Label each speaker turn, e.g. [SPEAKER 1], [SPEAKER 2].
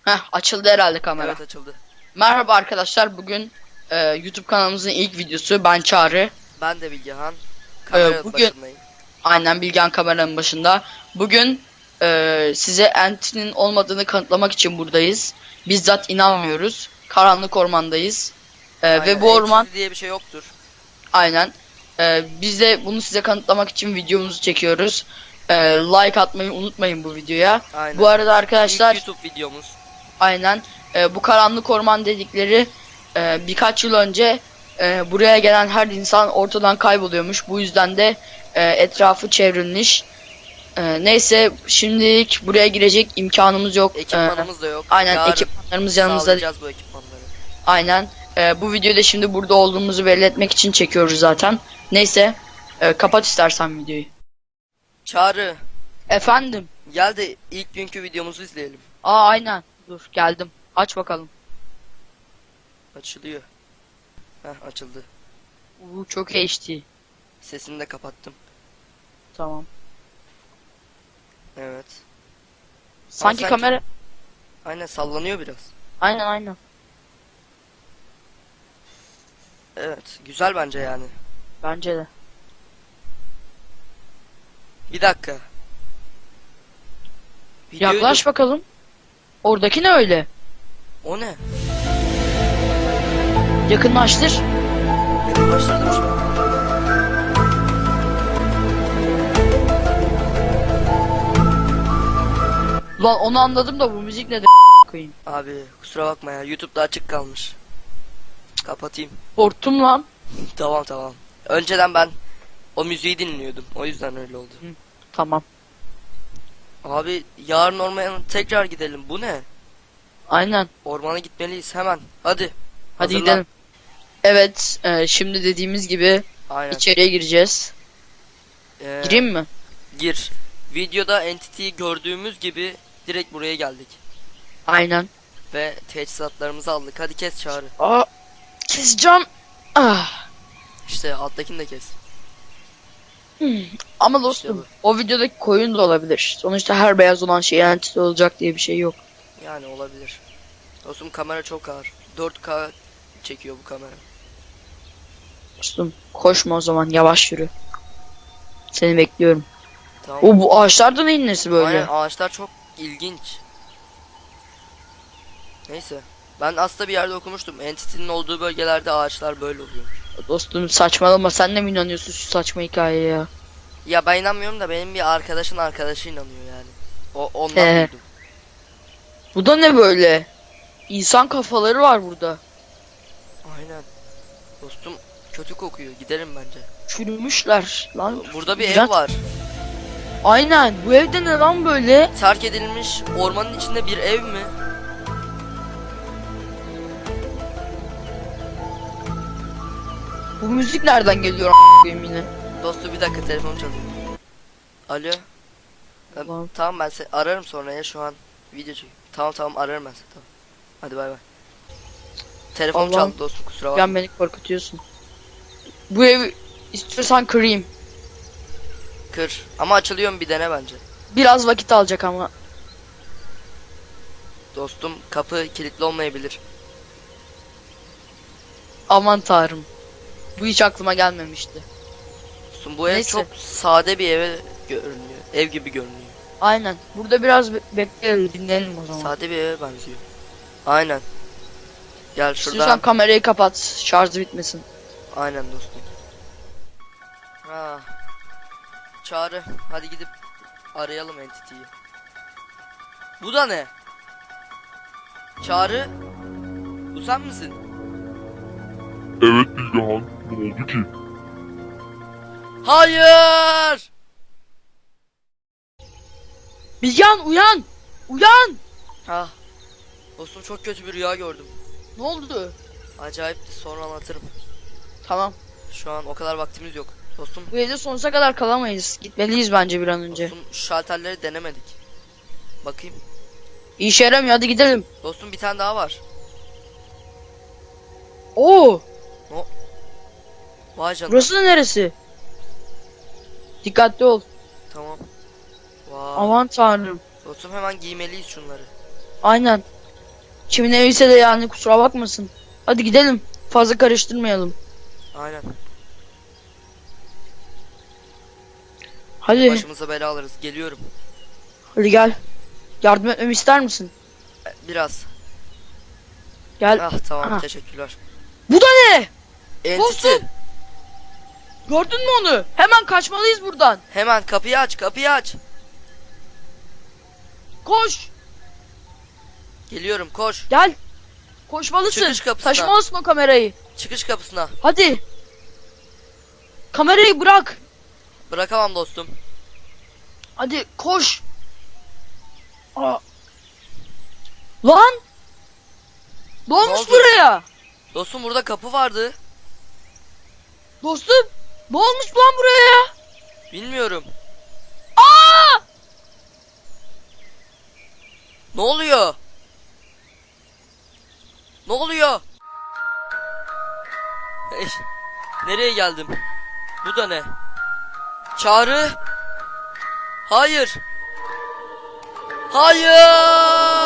[SPEAKER 1] Açıldı herhalde kamera.
[SPEAKER 2] Evet, açıldı.
[SPEAKER 1] Merhaba arkadaşlar. Bugün YouTube kanalımızın ilk videosu. Ben Çağrı.
[SPEAKER 2] Ben de Bilgehan. Kamera
[SPEAKER 1] Bugün
[SPEAKER 2] başındayım.
[SPEAKER 1] aynen Bilgehan kameranın başında. Bugün size Enti'nin olmadığını kanıtlamak için buradayız. Bizzat inanmıyoruz. Karanlık ormandayız. Ve
[SPEAKER 2] Aynen.
[SPEAKER 1] bu orman
[SPEAKER 2] Entity diye bir şey yoktur.
[SPEAKER 1] aynen. Biz de bunu size kanıtlamak için videomuzu çekiyoruz. Like atmayı unutmayın bu videoya.
[SPEAKER 2] Aynen.
[SPEAKER 1] Bu arada arkadaşlar
[SPEAKER 2] İlk YouTube videomuz.
[SPEAKER 1] aynen. Bu karanlık orman dedikleri birkaç yıl önce buraya gelen her insan ortadan kayboluyormuş. Bu yüzden de etrafı çevrilmiş. Neyse şimdilik buraya girecek imkanımız yok.
[SPEAKER 2] Ekipmanımız da yok.
[SPEAKER 1] Aynen
[SPEAKER 2] Yarın
[SPEAKER 1] ekipmanlarımız yanımızda.
[SPEAKER 2] sağlayacağız bu ekipmanları.
[SPEAKER 1] Aynen. Bu videoda şimdi burada olduğumuzu belli etmek için çekiyoruz zaten. Neyse kapat istersen videoyu.
[SPEAKER 2] Çağrı,
[SPEAKER 1] Efendim.
[SPEAKER 2] gel de ilk günkü videomuzu izleyelim.
[SPEAKER 1] Aynen. Dur geldim. Aç bakalım.
[SPEAKER 2] Açılıyor. Açıldı.
[SPEAKER 1] Çok HD.
[SPEAKER 2] Sesini de kapattım.
[SPEAKER 1] Tamam.
[SPEAKER 2] Evet.
[SPEAKER 1] Sanki kamera...
[SPEAKER 2] Aynen, sallanıyor biraz.
[SPEAKER 1] Aynen.
[SPEAKER 2] Evet, güzel bence yani.
[SPEAKER 1] Bence de.
[SPEAKER 2] Bir dakika. Videoyu
[SPEAKER 1] Yaklaş bakalım. Oradaki ne öyle?
[SPEAKER 2] O ne?
[SPEAKER 1] Yakınlaştır.
[SPEAKER 2] Yakınlaştırdım şu an.
[SPEAKER 1] Lan onu anladım da bu müzik nedir koyayım.
[SPEAKER 2] Abi kusura bakma ya, YouTube'da açık kalmış. Kapatayım.
[SPEAKER 1] Korktum lan.
[SPEAKER 2] Tamam. Önceden ben o müziği dinliyordum. O yüzden öyle oldu.
[SPEAKER 1] Tamam.
[SPEAKER 2] Abi yarın ormana tekrar gidelim. Bu ne?
[SPEAKER 1] Aynen.
[SPEAKER 2] Ormana gitmeliyiz hemen. Hadi.
[SPEAKER 1] Hadi
[SPEAKER 2] Hazırlan.
[SPEAKER 1] gidelim. Evet. Şimdi dediğimiz gibi
[SPEAKER 2] Aynen.
[SPEAKER 1] içeriye gireceğiz. Gireyim mi?
[SPEAKER 2] Gir. Videoda Entity'yi gördüğümüz gibi direkt buraya geldik.
[SPEAKER 1] Aynen.
[SPEAKER 2] Ve teçhizatlarımızı aldık. Hadi kes Çağrı.
[SPEAKER 1] Aa, keseceğim. Ah.
[SPEAKER 2] İşte alttakini de kes.
[SPEAKER 1] Ama dostum
[SPEAKER 2] İşte
[SPEAKER 1] o videodaki koyun da olabilir. Sonuçta her beyaz olan şey entity olacak diye bir şey yok.
[SPEAKER 2] Yani olabilir. Dostum kamera çok ağır. 4K çekiyor bu kamera.
[SPEAKER 1] Dostum koşma o zaman yavaş yürü. Seni bekliyorum.
[SPEAKER 2] Tamam.
[SPEAKER 1] Bu ağaçlarda neyin nesi böyle?
[SPEAKER 2] Aynen, ağaçlar çok ilginç. Neyse. Ben aslında bir yerde okumuştum. Entity'nin olduğu bölgelerde ağaçlar böyle oluyor.
[SPEAKER 1] Dostum saçmalama, sen de mi inanıyorsun şu saçma hikayeye ya?
[SPEAKER 2] Ya ben inanmıyorum da benim bir arkadaşın arkadaşı inanıyor yani. Ondan duydum.
[SPEAKER 1] Bu da ne böyle? İnsan kafaları var burada.
[SPEAKER 2] Aynen. Dostum kötü kokuyor. Gidelim bence.
[SPEAKER 1] Çürümüşler lan.
[SPEAKER 2] Burada bir
[SPEAKER 1] İğrenç.
[SPEAKER 2] ev var.
[SPEAKER 1] Aynen, bu evde ne lan böyle?
[SPEAKER 2] Terk edilmiş ormanın içinde bir ev mi?
[SPEAKER 1] Bu müzik nereden geliyor a**ayım yine?
[SPEAKER 2] Dostum bir dakika, telefonum çalıyor. Alo.
[SPEAKER 1] Tamam.
[SPEAKER 2] Tamam, ben seni ararım sonra ya, şu an video çekiyorum. Tamam ararım ben seni, tamam. Hadi bay bay. Telefonum
[SPEAKER 1] Allah'ım.
[SPEAKER 2] çaldı dostum, kusura bakma.
[SPEAKER 1] Beni korkutuyorsun. Bu evi istiyorsan kırayım.
[SPEAKER 2] Kır. Ama açılıyor mu bir dene bence.
[SPEAKER 1] Biraz vakit alacak ama.
[SPEAKER 2] Dostum kapı kilitli olmayabilir.
[SPEAKER 1] Aman tanrım. Bu hiç aklıma gelmemişti.
[SPEAKER 2] Dostum bu ev
[SPEAKER 1] Neyse.
[SPEAKER 2] çok sade bir eve görünüyor. Ev gibi görünüyor.
[SPEAKER 1] Aynen. Burada biraz bekleyelim, dinleyelim o zaman.
[SPEAKER 2] Sade bir eve benziyor. Aynen. Gel şuradan.
[SPEAKER 1] İstiyorsan kamerayı kapat. Şarjı bitmesin.
[SPEAKER 2] Aynen dostum. Çağrı, hadi gidip arayalım Entity'yi. Bu da ne? Çağrı, bu sen misin?
[SPEAKER 3] Evet Bilgehan, ne oldu ki?
[SPEAKER 2] Hayır!
[SPEAKER 1] Bilgehan uyan! Uyan!
[SPEAKER 2] Ah, dostum çok kötü bir rüya gördüm.
[SPEAKER 1] Ne oldu?
[SPEAKER 2] Acayipti, sonra anlatırım.
[SPEAKER 1] Tamam.
[SPEAKER 2] Şu an o kadar vaktimiz yok. Dostum,
[SPEAKER 1] Bu evde sonsuza kadar kalamayız. Gitmeliyiz bence bir an önce.
[SPEAKER 2] dostum şu şalterleri denemedik. Bakayım.
[SPEAKER 1] İşe yaramıyor, hadi gidelim.
[SPEAKER 2] Dostum bir tane daha var.
[SPEAKER 1] Oo!
[SPEAKER 2] Vay canına.
[SPEAKER 1] Burası da neresi? Dikkatli ol.
[SPEAKER 2] Tamam. Vay.
[SPEAKER 1] Aman tanrım.
[SPEAKER 2] Dostum hemen giymeliyiz şunları.
[SPEAKER 1] Aynen. Kimin eviyse de yani kusura bakmasın. Hadi gidelim. Fazla karıştırmayalım.
[SPEAKER 2] Aynen.
[SPEAKER 1] Hadi.
[SPEAKER 2] Başımıza bela alırız. Geliyorum.
[SPEAKER 1] Hadi gel. Yardım etmemi ister misin?
[SPEAKER 2] Biraz.
[SPEAKER 1] Gel.
[SPEAKER 2] Ah tamam,
[SPEAKER 1] Aha.
[SPEAKER 2] teşekkürler.
[SPEAKER 1] Bu da ne?
[SPEAKER 2] Entity.
[SPEAKER 1] Dostum. Gördün mü onu? Hemen kaçmalıyız buradan.
[SPEAKER 2] Hemen kapıyı aç, kapıyı aç.
[SPEAKER 1] Koş.
[SPEAKER 2] Geliyorum, koş.
[SPEAKER 1] Gel. Koşmalısın.
[SPEAKER 2] Çıkış kapısına.
[SPEAKER 1] Taşımalısın o kamerayı.
[SPEAKER 2] Çıkış kapısına.
[SPEAKER 1] Hadi. Kamerayı bırak.
[SPEAKER 2] Bırakamam dostum.
[SPEAKER 1] Hadi koş. Aa. Lan. Ne olmuş
[SPEAKER 2] oldu?
[SPEAKER 1] buraya?
[SPEAKER 2] Dostum burada kapı vardı.
[SPEAKER 1] Dostum. Ne olmuş lan buraya?
[SPEAKER 2] Bilmiyorum.
[SPEAKER 1] Aa!
[SPEAKER 2] Ne oluyor? Ne oluyor? Hey, nereye geldim? Bu da ne? Çağrı? Hayır. Hayır!